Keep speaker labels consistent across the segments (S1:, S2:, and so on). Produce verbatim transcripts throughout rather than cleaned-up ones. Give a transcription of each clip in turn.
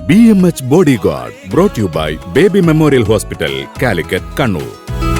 S1: B M H Bodyguard brought you by Baby Memorial Hospital, Calicut, Kannur.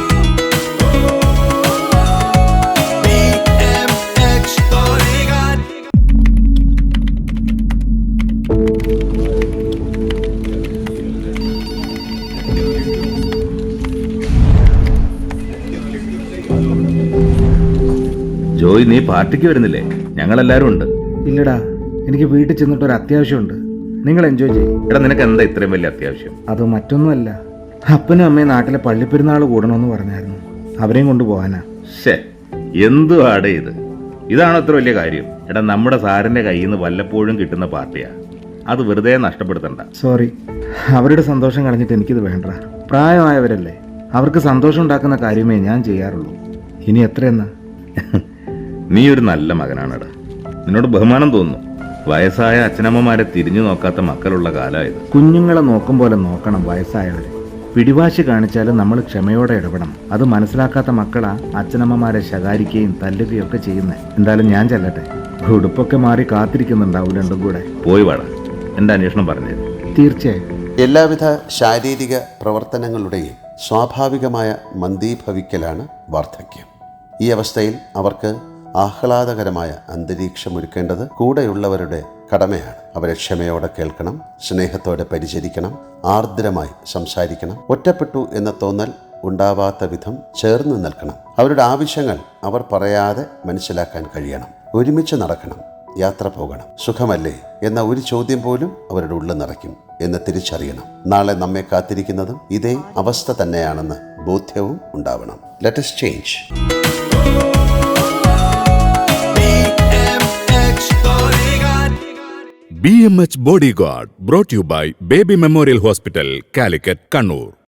S2: Joy, നീ പാർട്ടിക്ക് വരുന്നില്ലേ? ഞങ്ങളെല്ലാരും ഉണ്ട്.
S3: ഇല്ലടാ, എനിക്ക് വീട്ടിൽ ചെന്നിട്ട് ഒരു അത്യാവശ്യമുണ്ട്. നിങ്ങൾ എൻജോയ് ചെയ്യും.
S2: എടാ, നിനക്ക് എന്താ ഇത്രയും വലിയ അത്യാവശ്യം?
S3: അത് മറ്റൊന്നുമല്ല, അപ്പനും അമ്മയും നാട്ടിലെ പള്ളിപ്പെരുന്നാൾ കൂടണമെന്ന് പറഞ്ഞായിരുന്നു. അവരെയും കൊണ്ടുപോകാനാ.
S2: ശേ, എന്തുവാടേ ഇത്? ഇതാണോ ഇത്ര വലിയ കാര്യം? എടാ, നമ്മുടെ സാറിന്റെ കയ്യിൽ നിന്ന് വല്ലപ്പോഴും കിട്ടുന്ന പാർട്ടിയാ, അത് വെറുതെ നഷ്ടപ്പെടുത്തണ്ട.
S3: സോറി, അവരുടെ സന്തോഷം കളഞ്ഞിട്ട് എനിക്കിത് വേണ്ട. പ്രായമായവരല്ലേ, അവർക്ക് സന്തോഷം ഉണ്ടാക്കുന്ന കാര്യമേ ഞാൻ ചെയ്യാറുള്ളൂ. ഇനി എത്രയെന്നാ?
S2: നീ ഒരു നല്ല മകനാണെടാ. നിന്നോട് ബഹുമാനം തോന്നുന്നു. വയസ്സായ അച്ഛനമ്മമാരെ തിരിഞ്ഞു നോക്കാത്ത മക്കളുള്ള കാലമായത്.
S3: കുഞ്ഞുങ്ങളെ നോക്കും പോലെ നോക്കണം വയസ്സായവരെ. പിടിവാശി കാണിച്ചാലും നമ്മൾ ക്ഷമയോടെ ഇടപെടണം. അത് മനസ്സിലാക്കാത്ത മക്കളാ അച്ഛനമ്മമാരെ ശകാരിക്കുകയും തല്ലുകയും ഒക്കെ ചെയ്യുന്നത്. എന്തായാലും ഞാൻ ചെല്ലട്ടെ. ഉടുപ്പൊക്കെ മാറി കാത്തിരിക്കുന്നുണ്ടാവും രണ്ടും കൂടെ.
S2: പോയി വാടാ, എന്റെ അന്വേഷണം പറഞ്ഞു.
S3: തീർച്ചയായും.
S4: എല്ലാവിധ ശാരീരിക പ്രവർത്തനങ്ങളുടെയും സ്വാഭാവികമായ മന്ദീഭവിക്കലാണ് വാർദ്ധക്യം. ഈ അവസ്ഥയിൽ അവർക്ക് ആഹ്ലാദകരമായ അന്തരീക്ഷമൊരുക്കേണ്ടത് കൂടെയുള്ളവരുടെ കടമയാണ്. അവരെ ക്ഷമയോടെ കേൾക്കണം, സ്നേഹത്തോടെ പരിചരിക്കണം, ആർദ്രമായി സംസാരിക്കണം. ഒറ്റപ്പെട്ടു എന്ന തോന്നൽ ഉണ്ടാവാത്ത വിധം ചേർന്ന് നിൽക്കണം. അവരുടെ ആവശ്യങ്ങൾ അവർ പറയാതെ മനസ്സിലാക്കാൻ കഴിയണം. ഒരുമിച്ച് നടക്കണം, യാത്ര പോകണം. സുഖമല്ലേ എന്ന ഒരു ചോദ്യം പോലും അവരുടെ ഉള്ളിൽ നിറയ്ക്കും എന്ന് തിരിച്ചറിയണം. നാളെ നമ്മെ കാത്തിരിക്കുന്നതും ഇതേ അവസ്ഥ തന്നെയാണെന്ന് ബോധ്യവും ഉണ്ടാവണം. Let us change.
S1: B M H Bodyguard brought you by Baby Memorial Hospital, Calicut, Kannur.